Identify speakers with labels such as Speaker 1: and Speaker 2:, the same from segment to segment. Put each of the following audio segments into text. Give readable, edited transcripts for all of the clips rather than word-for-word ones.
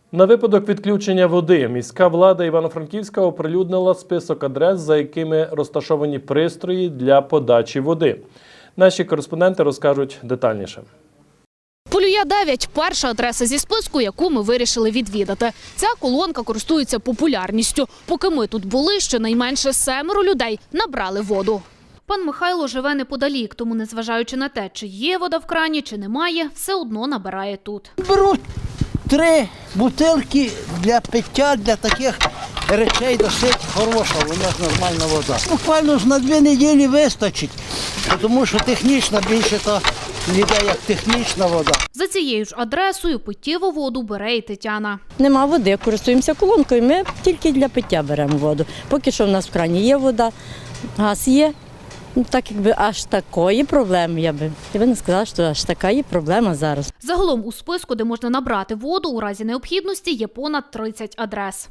Speaker 1: На випадок відключення води міська влада Івано-Франківська оприлюднила список адрес, за якими розташовані пристрої для подачі води. Наші кореспонденти розкажуть детальніше.
Speaker 2: Полюя 9 – перша адреса зі списку, яку ми вирішили відвідати. Ця колонка користується популярністю. Поки ми тут були, щонайменше 7 людей набрали воду. Пан Михайло живе неподалік, тому незважаючи на те, чи є вода в крані, чи немає, все одно набирає тут.
Speaker 3: Беру 3 бутилки для пиття, для таких речей досить хороша, у нас нормальна вода. Буквально ж на 2 неділі вистачить, тому що технічна більше то ніде як технічна вода.
Speaker 2: За цією ж адресою питтєву воду бере і Тетяна.
Speaker 4: Нема води, користуємося колонкою, ми тільки для пиття беремо воду. Поки що в нас в крані є вода, газ є. Так якби аж такої проблеми, я би не сказала, що аж така є проблема зараз.
Speaker 2: Загалом у списку, де можна набрати воду у разі необхідності, є понад 30 адрес.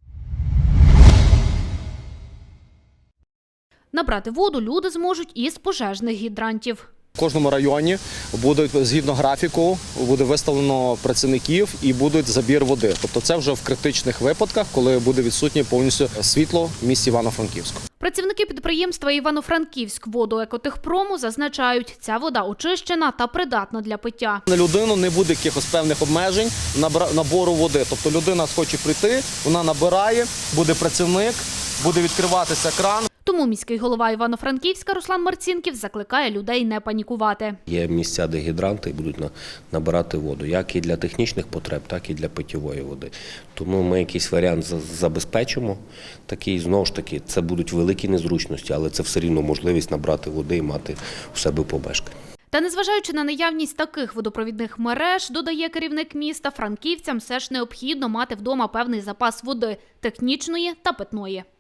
Speaker 2: Набрати воду люди зможуть із пожежних гідрантів.
Speaker 5: В кожному районі будуть, згідно графіку, буде виставлено працівників і буде забір води. Тобто це вже в критичних випадках, коли буде відсутнє повністю світло в місті Івано-Франківську.
Speaker 2: Працівники підприємства «Івано-Франківськводоекотехпрому» зазначають, ця вода очищена та придатна для пиття.
Speaker 5: На людину не буде якихось певних обмежень набору води. Тобто людина хоче прийти, вона набирає, буде працівник, буде відкриватися кран.
Speaker 2: Тому міський голова Івано-Франківська Руслан Марцінків закликає людей не панікувати.
Speaker 6: Є місця, де гідранти будуть набирати воду, як і для технічних потреб, так і для питьової води. Тому ми якийсь варіант забезпечимо. Такий, знову ж таки, це будуть великі незручності, але це все рівно можливість набрати води і мати у себе помешкання.
Speaker 2: Та незважаючи на наявність таких водопровідних мереж, додає керівник міста, франківцям все ж необхідно мати вдома певний запас води – технічної та питної.